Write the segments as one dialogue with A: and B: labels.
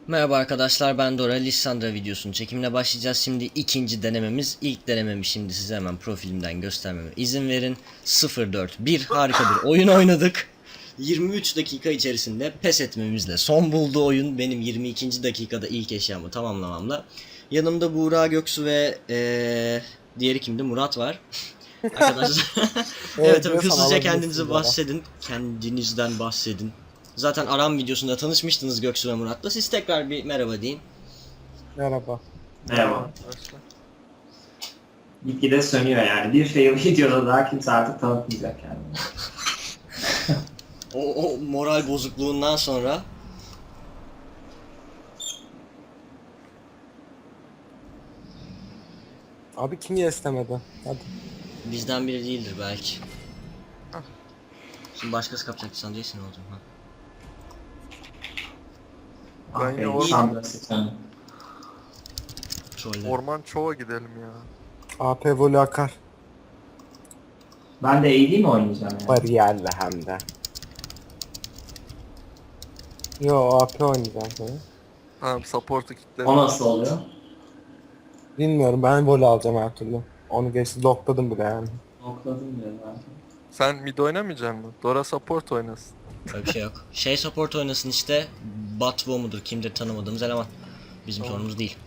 A: Merhaba arkadaşlar, ben Dora. Lissandra videosunun çekimine başlayacağız. Şimdi ikinci denememiz. İlk denememi şimdi size hemen profilimden göstermeme izin verin. 0-4-1 harika bir oyun oynadık. 23 dakika içerisinde pes etmemizle son buldu oyun. Benim 22. dakikada ilk eşyamı tamamlamamla. Yanımda Buğra Göksu ve diğeri kimdi? Murat var. Arkadaşlar evet tabii
B: diyorsan
A: hızlıca kendinizi
B: alabilirsin Dora.
A: bahsedin. Kendinizden bahsedin. Zaten Aram videosunda tanışmıştınız Göksu ve Murat'la. Siz tekrar bir merhaba deyin.
B: Merhaba.
C: Merhaba.
D: Arkadaşlar.
C: Gitgide sönüyor yani. Bir fail videoda daha kimse artık tanıtmayacak yani.
A: O moral bozukluğundan sonra
B: Abi kim istemedi? Hadi.
A: bizden biri değildir belki. Şimdi başkası kapacaktı sen değilsin olacak ha.
D: Ben yine orman,
C: Sandra Stone.
A: Troller.
D: orman çoğa gidelim ya.
B: AP volü akar.
C: Ben de AD mi oynayacağım yani?
B: Bariyerle hem de. Yo AP oynayacağım seni.
D: Tamam support'u kilitledim.
C: O nasıl oluyor?
B: Bilmiyorum, ben volü alacağım her türlü. Onu geçti, lokladım bile yani.
C: Nokladım diyor zaten.
D: Sen mid oynamayacaksın mı? Dora support oynasın.
A: Öyle bir şey yok. Şey support oynasın işte. Batwo mudur kimdir tanımadığımız eleman. Bizim
D: Tamam.
A: sorunumuz değil.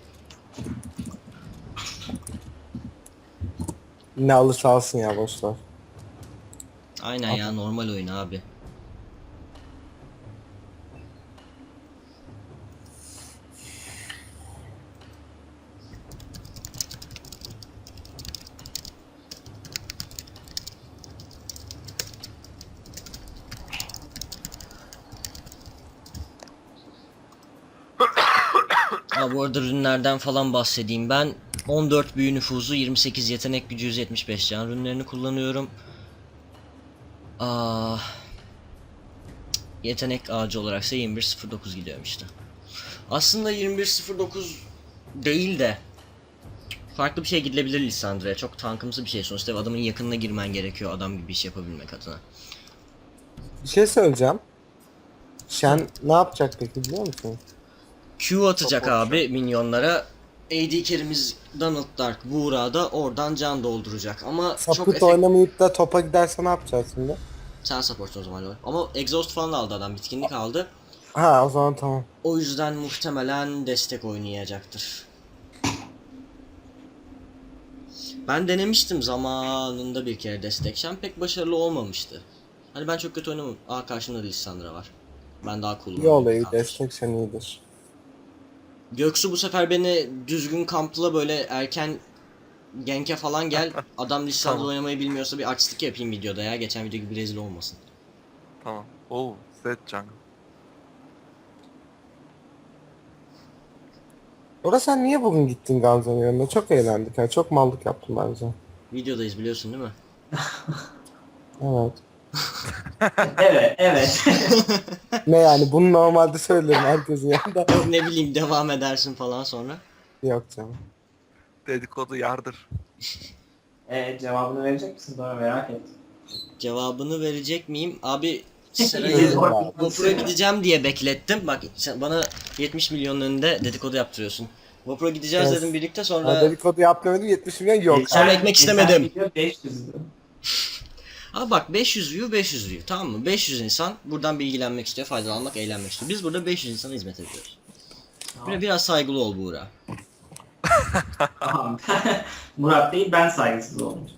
B: Ne alırsa alsın ya, boşver.
A: Aynen ya, normal oyun abi. Ha, bu arada ürünlerden falan bahsedeyim. Ben 14 büyü nüfuzu, 28 yetenek gücü, 175 can ürünlerini kullanıyorum. Yetenek ağacı olaraksa 2109 gidiyorum işte. Aslında 2109 değil de farklı bir şey gidilebilir Lissandra'ya. Çok tankımsı bir şey sonuçta. Adamın yakınına girmen gerekiyor adam gibi iş yapabilmek adına.
B: Bir şey söyleyeceğim. Shen ne yapacak peki, biliyor musun?
A: Q atacak
D: Support
A: abi minyonlara. AD carry'miz Donald Dark Buğra da oradan can dolduracak ama çok
B: Sapıt oynamayıp da topa giderse ne yapacağız şimdi?
A: Sen support o zaman lol. Ama exhaust falan aldı adam, bitkinlik aldı.
B: Ha, o zaman tamam.
A: O yüzden muhtemelen destek oynayacaktır. Ben denemiştim zamanında bir kere destek. Şen pek başarılı olmamıştı. Hani ben çok kötü oynamam. Aa, karşımda da Lissandra var. Ben daha cool'um.
B: İyi olayı, destek Shen iyidir.
A: Göksu bu sefer beni düzgün kampla böyle erken genke falan gel. Adam Lissandra
D: Tamam.
A: oynamayı bilmiyorsa bir açlık yapayım videoda ya. Geçen video gibi rezil olmasın.
D: Tamam. Oo, Zed jungle.
B: Orada sen niye bugün gittin Gamze'nin yanına? Çok eğlendik yani, çok mallık yaptın bence.
A: Videodayız biliyorsun değil mi?
B: Evet.
C: Evet, evet.
B: Ne yani, bunu normalde söylerim herkesin yanında.
A: Ne bileyim, devam edersin falan sonra.
B: Yok canım.
D: Dedikodu yardır.
C: Cevabını verecek misin? Doğru, merak et.
A: Cevabını verecek miyim? Abi
C: İyi,
A: sırayı
C: doğru.
A: Vapur'a gideceğim diye beklettim. Bak sen bana 70 milyonun önünde dedikodu yaptırıyorsun. Vapur'a gideceğiz
B: Evet.
A: dedim birlikte,
B: Ha,
A: sonra...
B: dedikodu yapmadım, 70 milyon yok.
A: Sonra ekmek istemedim.
C: Geçen video 500'dü.
A: Abi bak, 500 view 500 view, tamam mı? 500 insan buradan bilgilenmek istiyor, faydalanmak, eğlenmek istiyor. Biz burada 500 insana hizmet ediyoruz. Böyle biraz saygılı ol Buğra.
C: Tamam. Murat değil, ben saygısız oldum.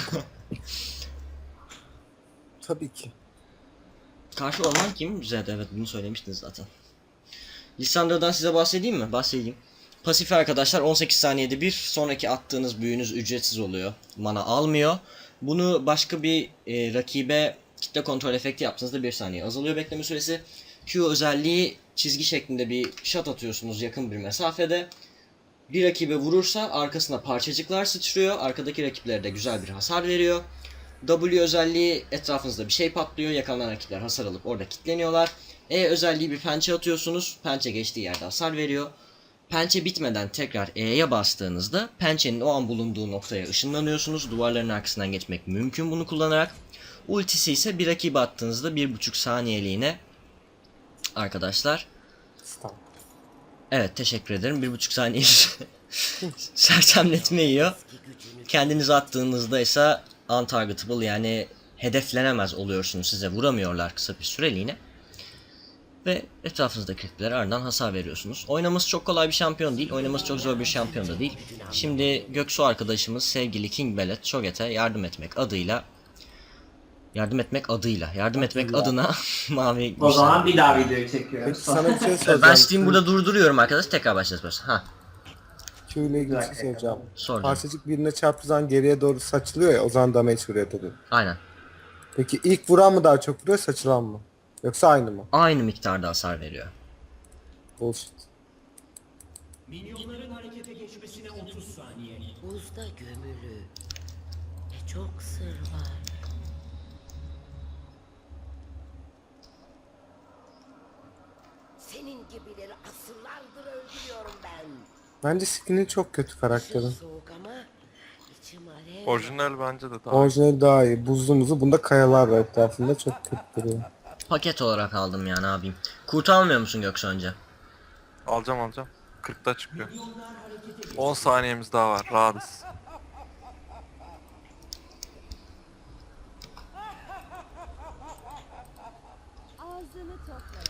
B: Tabii ki.
A: Karşı orman kim? Güzel, evet bunu söylemiştiniz zaten. Lissandra'dan size bahsedeyim mi? Bahsedeyim. Pasif arkadaşlar 18 saniyede bir sonraki attığınız büyünüz ücretsiz oluyor. Mana almıyor. Bunu başka bir rakibe kitle kontrol efekti yaptığınızda 1 saniye azalıyor bekleme süresi. Q özelliği, çizgi şeklinde bir shot atıyorsunuz yakın bir mesafede. Bir rakibe vurursa arkasına parçacıklar sıçrıyor. Arkadaki rakiplere de güzel bir hasar veriyor. W özelliği, etrafınızda bir şey patlıyor. Yakalanan rakipler hasar alıp orada kilitleniyorlar. E özelliği, bir pençe atıyorsunuz. Pençe geçtiği yerde hasar veriyor. Pençe bitmeden tekrar E'ye bastığınızda pençenin o an bulunduğu noktaya ışınlanıyorsunuz. Duvarların arkasından geçmek mümkün bunu kullanarak. Ultisi ise bir rakibe attığınızda 1,5 saniyeliğine arkadaşlar
B: Tamam.
A: Evet, teşekkür ederim. 1,5 saniye sersemletme yiyor. Kendinizi attığınızda ise untargetable, yani hedeflenemez oluyorsunuz. Size vuramıyorlar kısa bir süreliğine. Ve etrafınızdaki rakiplere ardından hasar veriyorsunuz. Oynaması çok kolay bir şampiyon değil. Oynaması çok zor bir şampiyon da değil. Şimdi Göksu arkadaşımız sevgili King Bellet Cho'Gath'e yardım etmek adına mavi
C: O zaman
A: güçler-
C: bir daha videoyu çekiyoruz.
B: Peki sana bir şey
A: Ben
B: soracağım.
A: Steam burada durduruyorum arkadaş. Tekrar başlayacağız. Ha,
B: Q ile ilgili bir şey soracağım.
A: sordum.
B: Parçacık birine çarptığı zaman geriye doğru saçılıyor ya, o zaman damage vuruyor tabii.
A: Aynen.
B: Peki ilk vuran mı daha çok vuruyor, saçılan mı? Yoksa aynı mı?
A: Aynı miktarda hasar veriyor.
B: Bullshit.
E: Buzda gömülü. Ne çok sır var. Senin gibileri asırlardır öldürüyorum ben.
B: Bence skin'i çok kötü karakterin.
E: Soğuk ama içim alev.
D: Orijinal bence de daha.
B: Orijinali daha iyi. Buzlu muzu. Bunda kayalar var etrafında. Çok kötü duruyor.
A: Paket olarak aldım ya, ne yapayım. Kurt almıyor musun Göksu önce?
D: Alacağım. 40'ta çıkıyor. 10 saniyemiz daha var. Rahatız.
F: Ağzını topla.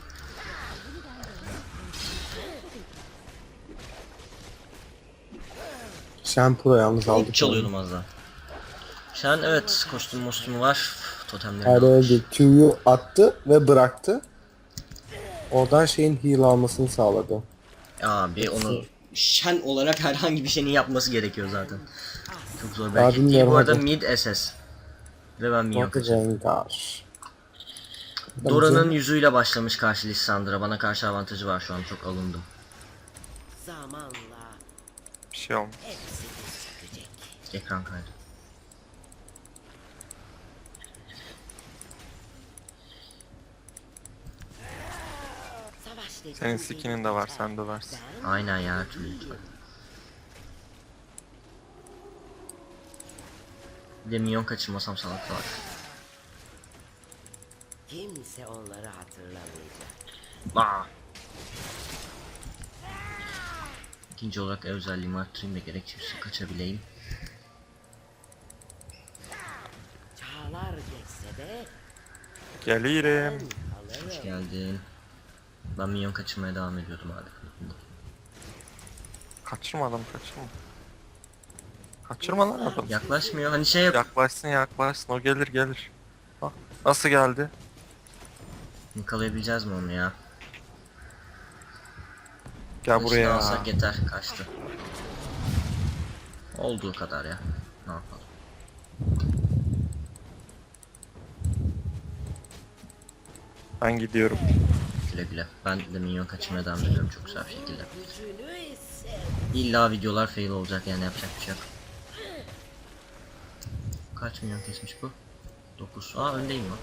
B: Shampoo yalnız aldık.
A: İlk çalıyordum az daha. Sen evet, kostümü var. Totemleri
B: Hayır
A: almış.
B: öyle değil. Q'yu attı ve bıraktı. Oradan şeyin heal almasını sağladı.
A: Abi onu Shen olarak herhangi bir şeyin yapması gerekiyor zaten. Çok zor bir
B: Daha
A: hareket değil.
B: bilmiyorum
A: Bu arada
B: hadi.
A: mid SS. Ve ben minyon
B: Çok
A: kaçırdım.
B: Rengar.
A: Dora'nın yüzüyle başlamış karşı Lissandra. Bana karşı avantajı var şu an, çok alındım.
E: Zamanla
D: Bir şey olmaz.
E: hepsi sökecek.
A: Ekran kaydı.
E: Savaş dediğin
D: Senin
E: bir
D: skinin de var,
E: biter.
D: sen döversin.
E: Ben
A: Aynen ya, her türlü lütfen. Bir de minyon kaçırmasam salak var.
E: kimse onları hatırlamayacak.
A: Aa. İkinci olarak özelliğimi arttırayım da gerekirse kaçabileyim.
E: Çağlar geçse de
D: Gelirim.
E: alırım.
A: Hoş geldin. Ben minyon kaçırmaya devam ediyordum abi.
D: Kaçırma. Kaçırma lan adam.
A: Yaklaşmıyor. Hani şey yap.
D: Yaklaşsın. O gelir. Bak. Nasıl geldi?
A: Yakalayabileceğiz mi onu ya?
D: Gel
A: Kılıçla
D: buraya.
A: alsak yeter. Kaçtı. Olduğu kadar ya. Ne yapalım.
D: Ben gidiyorum.
A: Güle güle. Ben de minyon kaçırmaya devam ediyorum çok güzel bir şekilde.
E: Gücünü hisset.
A: İlla videolar fail olacak, yani yapacak bir şey yok. Kaç milyon kesmiş bu? 9. Aa, öndeyim lan.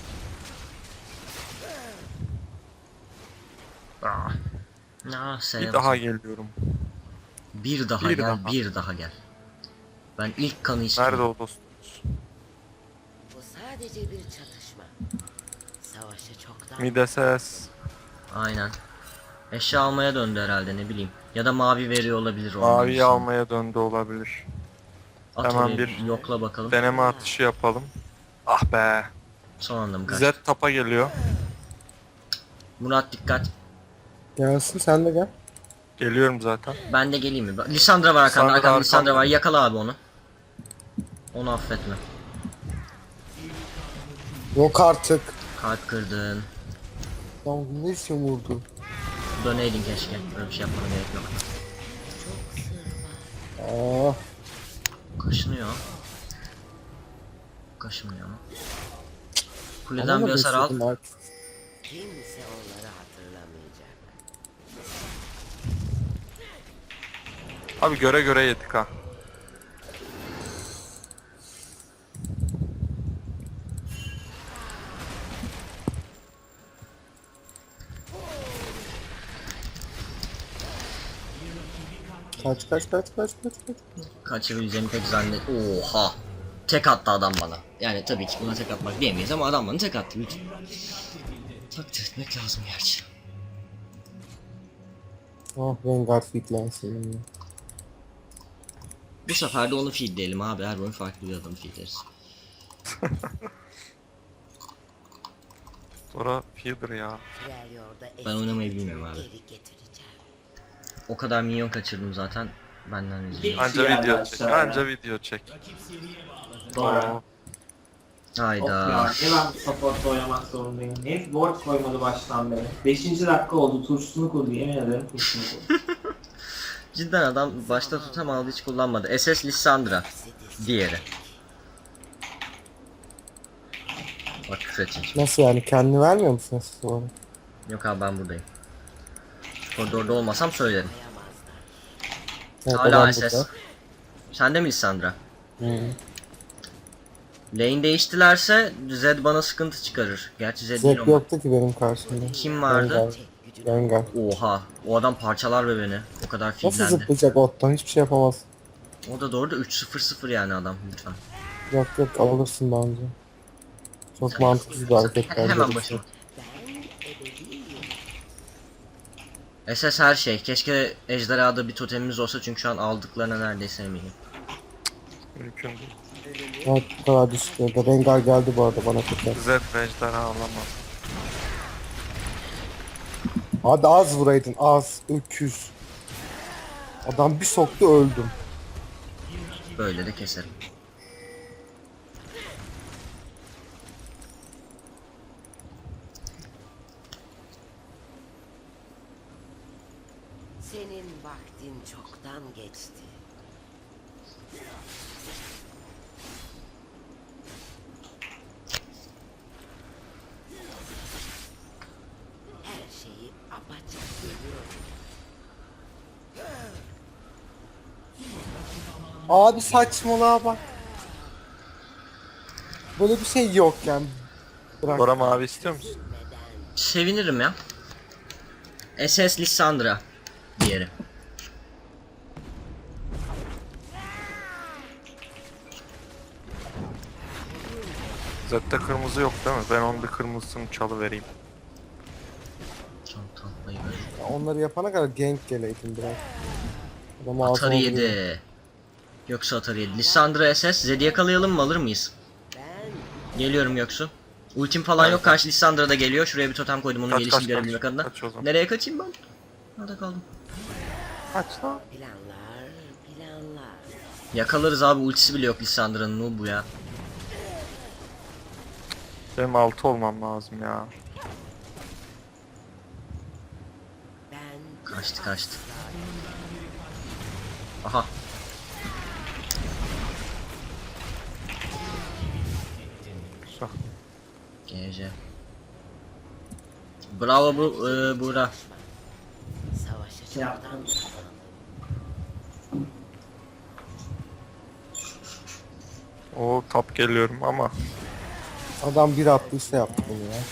D: Bir daha geliyorum.
A: Bir daha
D: Bir
A: gel,
D: daha.
A: bir daha gel. Ben ilk kanı istiyorum.
D: Nerede o dostumuz?
E: Bu sadece bir çatışma. Savaşı çoktan
D: Mideses.
A: Aynen. Eşya almaya döndü herhalde, ne bileyim. Ya da mavi veriyor olabilir.
D: Maviyi almaya döndü olabilir.
A: At
D: hemen
A: oraya,
D: bir
A: yokla bakalım.
D: Deneme atışı yapalım. Ah be.
A: Son anda mı kaçtı?
D: Z tapa geliyor.
A: Murat dikkat.
B: Gelsin sen de gel.
D: Geliyorum zaten.
A: Ben de geleyim mi? Lissandra var arkanda.
D: Lissandra
A: Arkanda Lissandra
D: arkamda.
A: var. Yakala abi onu. Onu affetme.
B: Yok artık.
A: Kalp kırdın.
B: Lan ne için vurdu?
A: Döneydin keşke. Böyle bir şey yapmana gerek yok.
B: Aa,
A: Kaşınıyor. Kaşınmıyor ama. Kuleden
B: alamadım
A: bir hasar al.
B: istedim artık.
E: kimse onları hatırlamayacak.
D: Abi göre yedik ha.
B: Kaç.
A: Kaçabileceğimi pek zannet. Oha. Tek attı adam bana. Yani tabii ki buna tek atmak diyemeyiz ama adam bana tek attı lütfen. Takdir etmek lazım gerçi.
B: Ah Rengar fitlensin.
A: Bu sefer de onu feedleyelim abi. Her oyun farklı bir adamı feedleriz.
D: Sonra feeder ya.
A: Ben oynamayı bilmiyorum abi.
E: Geri getireceğim.
A: O kadar minyon kaçırdım zaten. Benden üzülüyor.
D: Anca
C: geldi
D: video çek.
C: aşağıya.
D: Anca video çek.
C: Doğru.
D: Oo.
C: Of ya,
A: Hayda.
C: ne ben support'ta oynamak zorundayım. Hep ward koymadı baştan beri. 5. dakika oldu, turşusunu kurdu, yemin ederim turşusunu kurdu.
A: Cidden adam başta tutamadı, hiç kullanmadı. SS Lissandra. Diğeri. Bak küfür edecek.
B: Nasıl yani, kendini vermiyor musun siz bana?
A: Yok abi, ben buradayım. Koridorda olmasam söylerim.
B: Evet,
A: Hala
B: adam
A: SS.
B: burada.
A: Sen de mi Lissandra?
B: Hı.
A: Lane değiştilerse Zed bana sıkıntı çıkarır. Gerçi Zed değil
B: Zed
A: ama.
B: yoktu ki benim karşımda.
A: Kim vardı?
B: Rengar.
A: Oha. O adam parçalar be beni. O kadar
B: Nasıl
A: filmlendi.
B: zıplayacak ottan, hiçbir şey yapamaz.
A: O da doğru da 3-0-0 yani adam, lütfen.
B: Yok yok, alırsın bence. Çok mantıksız bir hareket bence.
A: Hemen başım. SS her şey. Keşke ejderhada bir totemimiz olsa çünkü şu an aldıklarına neredeyse eminim.
D: Mümkün değil.
B: Evet, bu kadar düşük yerde. Rengar geldi bu arada bana tekrar.
D: Zed ve ejderha alamaz.
B: Hadi az vuraydın, az. Öküz. Adam bir soktu, öldüm.
A: Böyle de keserim.
E: Senin vaktin çoktan geçti. Her şeyi apaçık görüyorum.
B: Abi saçmalığa bak. Böyle bir şey yok yani. Bırak.
D: Dora mavi istiyor musun?
A: Sevinirim ya. SS Lissandra. Diğeri.
D: Zed'de kırmızı yok değil mi? Ben onun bir kırmızısını çalıvereyim.
A: Çok tatlıyı böyle.
B: Onları yapana kadar gank geleydin biraz. Adam ağzına
A: Atari
B: vuruyor.
A: 7. Yoksa Atari 7. Lissandra SS. Zed'i yakalayalım mı, alır mıyız? Geliyorum Göksu. Ultim falan yok, karşı Lissandra da geliyor. Şuraya bir totem koydum onun
D: Kaç,
A: gelişini
D: kaç,
A: görebilmek
D: kaç.
A: adına.
D: Kaç o zaman.
A: Nereye kaçayım ben? Nerede kaldım?
D: Kaç lan?
E: Planlar, planlar.
A: Yakalarız abi, ultisi bile yok Lissandra'nın, o bu ya.
D: Benim 6 olmam lazım ya.
E: Ben
A: Kaçtı. Aha.
D: Güzel.
A: GC. Bravo Buğra.
E: savaşı
C: Yaptım.
E: çoktan kazandım.
D: O tap geliyorum ama
B: Adam bir attıysa yaptı bunu ya.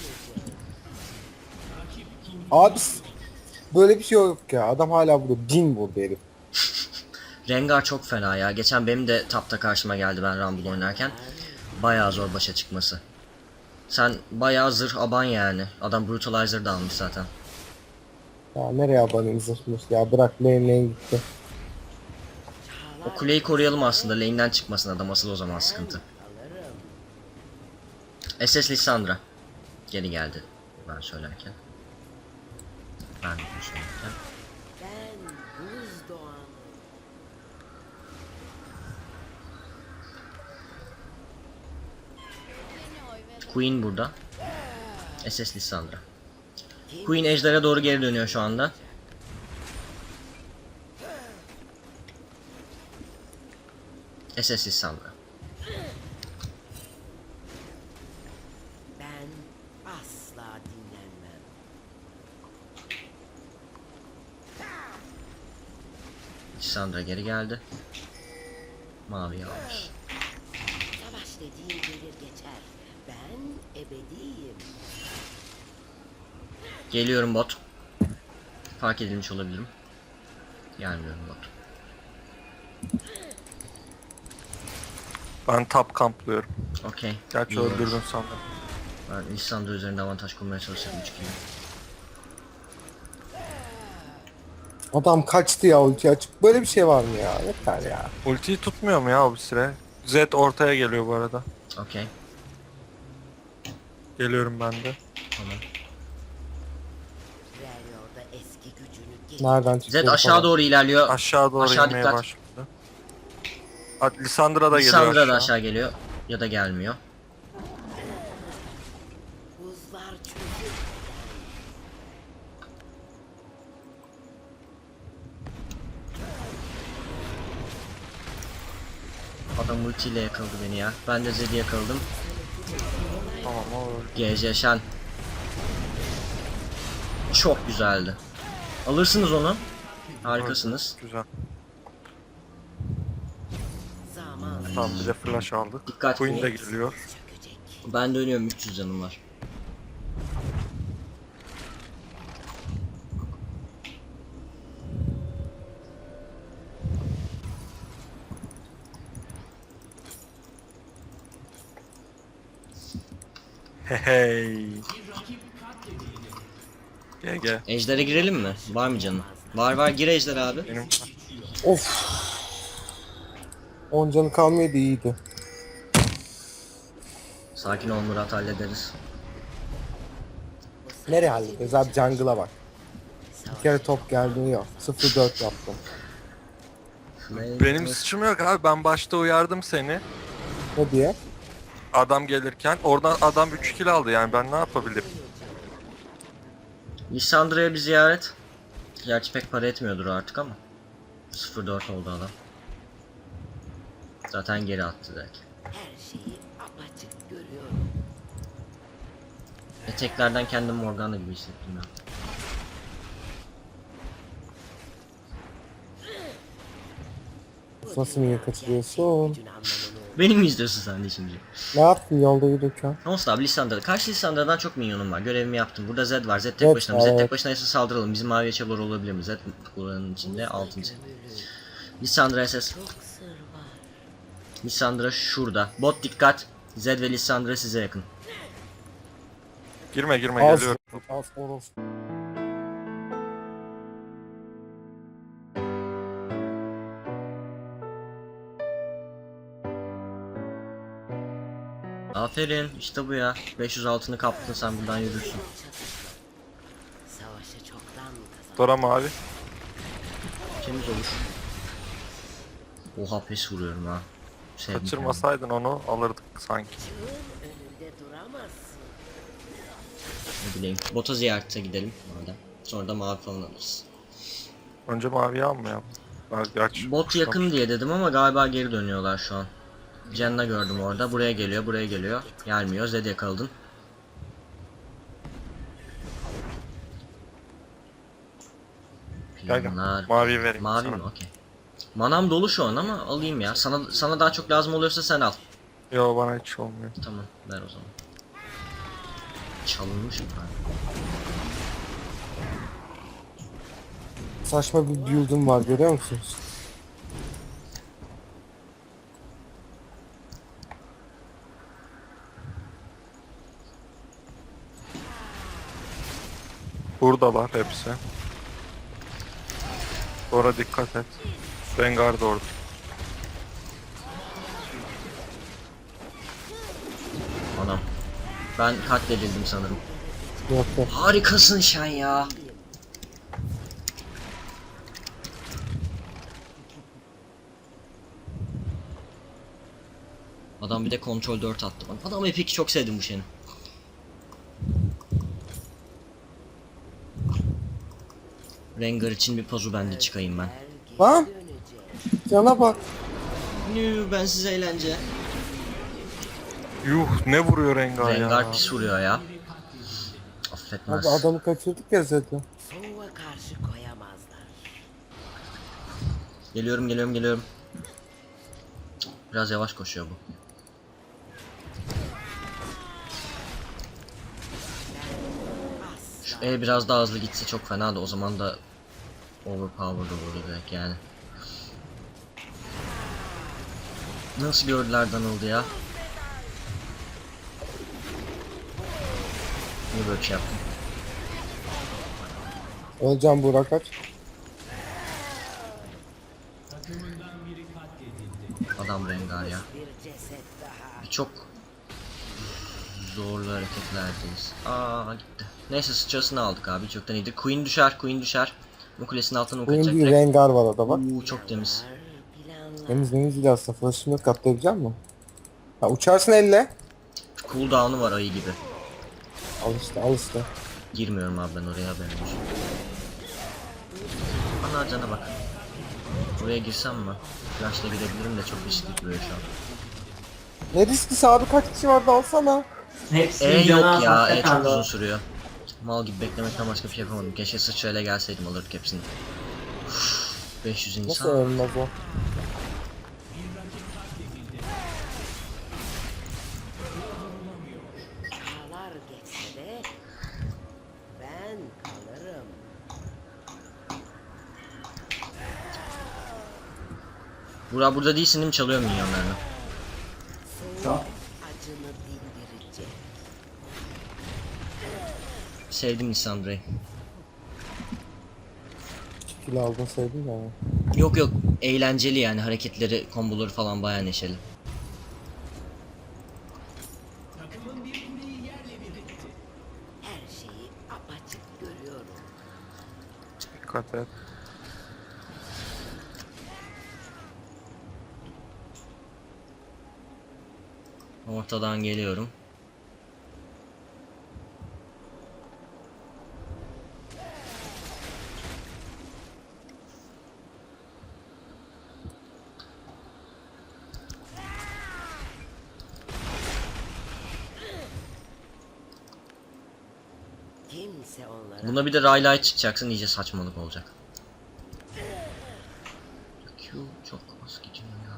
B: Abi böyle bir şey yok ya. Adam hala burada 1000 vurdu herif.
A: Rengar çok fena ya. Geçen benim de tapta karşıma geldi ben Rumble oynarken. Bayağı zor başa çıkması. Sen bayağı zırh aban yani. Adam Brutalizer da almış zaten.
B: Ya nereye abanayım zırhmış ya, bırak lane gitti.
A: O kuleyi koruyalım aslında. Lane'den çıkmasın adam, asıl o zaman sıkıntı. SS Lissandra. Geri geldi ben söylerken. Ben bunu söylerken.
E: Ben buz doğanı.
A: Queen burada. SS Lissandra. Queen ejderha doğru geri dönüyor şu anda. SS Lissandra.
E: Ben asla dinlenmem.
A: Lissandra geri geldi. Mavi almış.
E: Savaş dediğin gelir geçer. Ben ebediyim.
A: Geliyorum bot. Fark edilmiş olabilirim. Gelmiyorum bot.
D: ben tap kamplıyorum.
A: Okey.
D: Gerçi
A: İyi olmuş.
D: öldürdün sandım.
A: Ben Lissandra üzerinde avantaj kurmaya çalışıyorum 3 kere.
B: Adam kaçtı ya ulti açıp. Böyle bir şey var mı ya? Yeter ya.
D: Ultiyi tutmuyor mu ya o bir süre? Zed ortaya geliyor bu arada.
A: Okey.
D: Geliyorum ben de.
A: Tamam.
E: Warrior'da eski gücünü geri
B: Nereden çıktı?
A: Zed aşağı doğru ilerliyor.
D: Aşağı doğru
A: Aşağı
D: inmeye
A: dikkat.
D: başladı. Hadi Lissandra da geliyor
A: Lissandra
D: aşağı.
A: da aşağı geliyor. Ya da gelmiyor.
E: buzlar çözüldü.
A: Adam ultiyle yakaladı beni ya. Ben de Zed'i yakaladım.
D: Tamam o öldü.
A: GG Shen. Çok güzeldi. Alırsınız onu. Harikasınız.
D: Güzel.
E: Zaman
D: Tamam bir de flash aldık.
A: Dikkat
D: Queen
A: bu.
D: de geliyor.
E: çökecek.
A: Ben dönüyorum, 300 canım var.
D: Hey. GG.
A: Ejder'e girelim mi? Var mı canım? Var gir Ejder abi.
D: Benim
B: Of. 10 canı kalmaydı iyiydi.
A: Sakin ol Murat, hallederiz.
B: Nereye hallederiz abi, jungle'a bak. Bir kere top geldi yok. 0-4 yaptım.
D: benim suçum yok abi. Ben başta uyardım seni.
B: Ne diye?
D: Adam gelirken oradan adam 3 kill aldı yani ben ne yapabilirim?
A: Lissandra'ya bir ziyaret. Gerçi pek para etmiyordur artık ama. 0-4 oldu adam. Zaten geri attı direkt.
E: Her şeyi apaçık görüyorum.
A: Eteklerden kendim Morgana gibi hissettim ya.
B: Nasıl niye kaçırıyorsun?
E: Gücün anlamını
A: Beni mi izliyorsun sen de şimdi?
B: Ne yaptın yolda yürürken?
A: Olsun abi, Lissandra'da. Karşı Lissandra'dan çok minyonum var. Görevimi yaptım. Burada Zed var. Zed tek
B: Evet,
A: başına. Zed
B: evet.
A: tek başına ise saldıralım. Bizim mavi çabalar olabilir mi? Zed buranın içinde, altın içinde. Lissandra SS.
E: çok sır var.
A: Lissandra şurada. Bot dikkat. Zed ve Lissandra size yakın.
D: Girme girme
B: Az,
D: geliyorum.
B: az orospu.
A: Aferin. İşte bu ya. 500 altını kaptın, sen buradan yürürsün.
E: Savaşı çoktan kazandı.
D: Dora mavi.
A: Temiz olur. Oha pes vuruyorum ha. Sevdim
D: Kaçırmasaydın onu alırdık sanki.
E: Çığın önünde duramazsın.
A: kendimi. Ne bileyim. Bota ziyarete gidelim madem. Sonra da mavi falan alırız.
D: Önce maviyi almayalım. Gerçi
A: Bot yakın diye dedim ama galiba geri dönüyorlar şu an. Cenna gördüm orada. Buraya geliyor, buraya geliyor. Gelmiyor. Zed yakaladın.
D: Gel gel.
A: Planlar.
D: Maviyi vereyim
A: Mavi
D: sana.
A: mi? Okey. Manam dolu şu an ama alayım ya. Sana daha çok lazım oluyorsa sen al.
D: Yo bana hiç olmuyor.
A: Tamam, ver o zaman. Çalınmış mı?
B: Saçma bir build'um var, görüyor musunuz?
D: Buradalar hepsi. Dora dikkat et. Rengar da orada.
A: Anam. Ben katledildim sanırım.
B: Yok yok.
A: Harikasın Şen ya. Adam bir de kontrol 4 attı bana. Adam Epic'i çok sevdim bu Shen'i. Rengar için bir pazu bende çıkayım ben.
B: Lan! Cana bak.
A: Nü, ben size eğlence.
D: Yuh ne vuruyor Rengar ya.
A: Rengar pis vuruyor ya. Affetmez.
B: Abi adamı kaçırdık ya Zed'le.
E: Soğuğa karşı koyamazlar.
A: Geliyorum. Biraz yavaş koşuyor bu. Şu E biraz daha hızlı gitse çok fena da o zaman da overpowered olurdu direkt yani. Nasıl gördüler Donald'ı ya? Niye böyle bir şey yaptın?
B: Öleceğim Burak, kaç.
A: Adam Rengar ya.
E: Bir ceset daha.
A: Çok zorlu hareketlerdeyiz. Aa gitti. Neyse sıçrasını aldık abi. Çoktan iyiydi. Queen düşer, Queen düşer. Bu kulesinin altına ok
B: Benim
A: atacak
B: bir
A: direkt.
B: Rengar var orada bak.
A: Çok temiz.
E: Planlar.
B: Temiz değil aslında. Flash'ını yok, katlayabilecek misin? Ha, uçarsın elle.
A: Cooldown'u var ayı gibi.
B: Al işte, al işte.
A: Girmiyorum abi ben oraya, haberim olsun. Ana cana bak. Buraya girsem mi? Flash'la girebilirim de çok riskli duruyor şu an.
B: Ne risklisi abi, kaç kişi vardı, alsana.
C: Hepsinin canı
A: Yok
C: az
A: ya,
C: hakikaten
A: çok uzun
C: de.
A: sürüyor. Mal gibi beklemekten başka bir şey yapamadım. Keşke sıçrayla gelseydim, alırdık hepsini. Uf, 500
B: Nasıl
A: insan.
B: ölmez o?
E: Çağlar geçse de ben kalırım.
A: Burak burada değilsin değil mi? Çalıyor milyonlarını.
C: Çok.
E: Acını dindirecek.
A: Sevdim Lissandra'yı.
B: Kilo aldın sevdim ya.
A: Yok yok, eğlenceli yani, hareketleri, komboları falan bayağı neşeli.
E: Her şeyi apaçık görüyorum.
D: Dikkat et.
A: Ortadan geliyorum.
E: Kimse onlara
A: Buna bir de Rayleigh çıkacaksın, iyice saçmalık olacak. Q çok az gidiyor ya.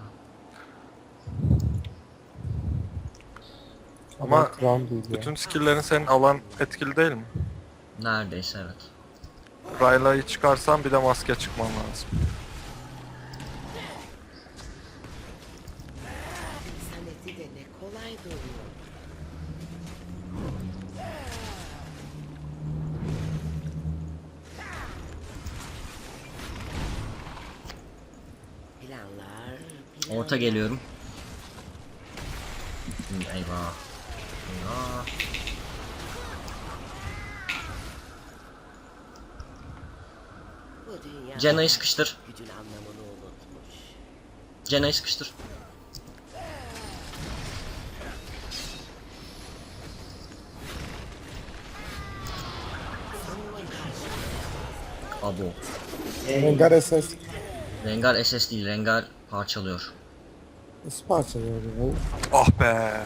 D: Ama
B: Kram değil ya.
D: bütün skill'lerin senin alan etkili değil mi?
A: Neredeyse evet.
D: Rayla'yı çıkarsan bir de maske çıkman lazım.
E: saneti de ne kolay duruyor. Planlar,
A: Orta geliyorum. Eyvah. Eyvah.
E: Bu dünya
A: Cenna'yı sıkıştır.
E: gücün anlamını unutmuş.
A: Cenna'yı sıkıştır. Abo.
B: Rengar SS.
A: Rengar SS değil, Rengar parçalıyor.
B: Nasıl parçalıyor ya?
D: Ah be.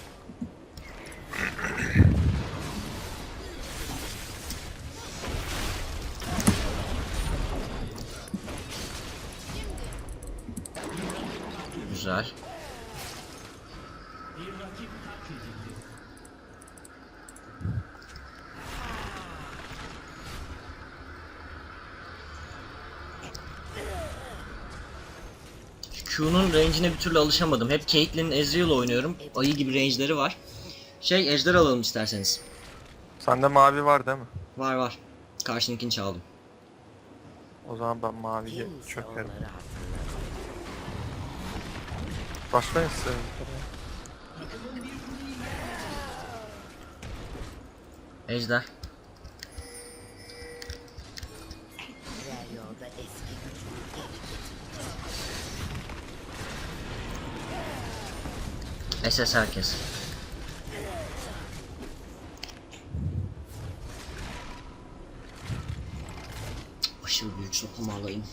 A: Güzel. Q'nun range'ine bir türlü alışamadım. Hep Caitlyn'in Ezreal oynuyorum. Ayı gibi range'leri var. Ejder alalım isterseniz.
D: Sende mavi var değil mi?
A: Var var. Karşınınkini çaldım.
D: O zaman ben maviye
E: Kimse
D: çökerim.
E: onları hatırlamıyor.
D: Başlayın size.
A: Ejder.
E: Diğer yolda eski gücünü geri getir.
A: SS herkes. Aşırı büyük sopa alayım.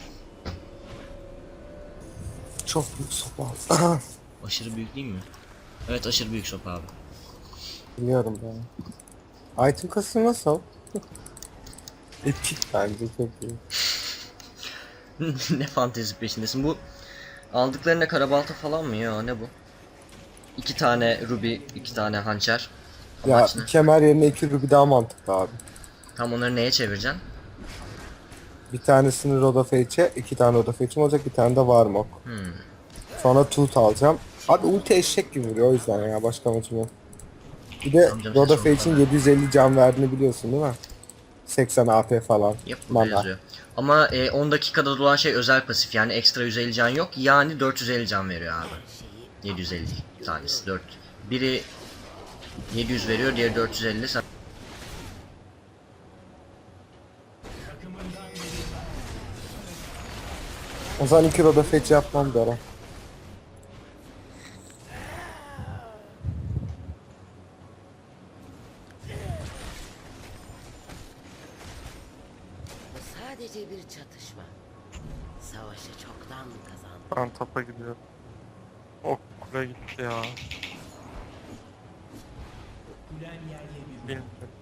B: Çok büyük sopa.
A: Aşırı büyük değil mi? Evet, aşırı büyük sopa abi.
B: Biliyorum ben. Item kasım nasıl? Epik bence, çok iyi.
A: Ne fantezi peşindesin bu? Aldıklarında karabalta falan mı ya, ne bu? 2 tane ruby, 2 tane hançer.
B: Ya
A: Amaç ne?
B: kemer yerine 2 ruby daha mantıklı abi.
A: Tam onları neye çevireceksin?
B: Bir tanesini Rod of Age'e, 2 tane Rod of Age'im olacak, bir tane de Warmok. Sonra Tooth alacağım. Abi ulti eşek gibi vuruyor, o yüzden ya, başka amacım yok. Bir de
A: Amcam
B: Rod
A: sen
B: of
A: çok
B: Age'in 750 can verdiğini biliyorsun değil mi? 80 AP falan.
A: Yap burada
B: Mana.
A: yazıyor. Ama 10 dakikada dolan şey özel pasif yani ekstra 150 can yok. Yani 450 can veriyor abi. 750 değil tanesi 4. Biri 700 veriyor, diğeri 450.
B: O zaman 2 Roda Fetch yapmam Dora.
E: Bu sadece bir çatışma. Savaşı çoktan kazandım.
D: Ben tapa gidiyorum. Ok kule gitti ya. Bilmiyorum.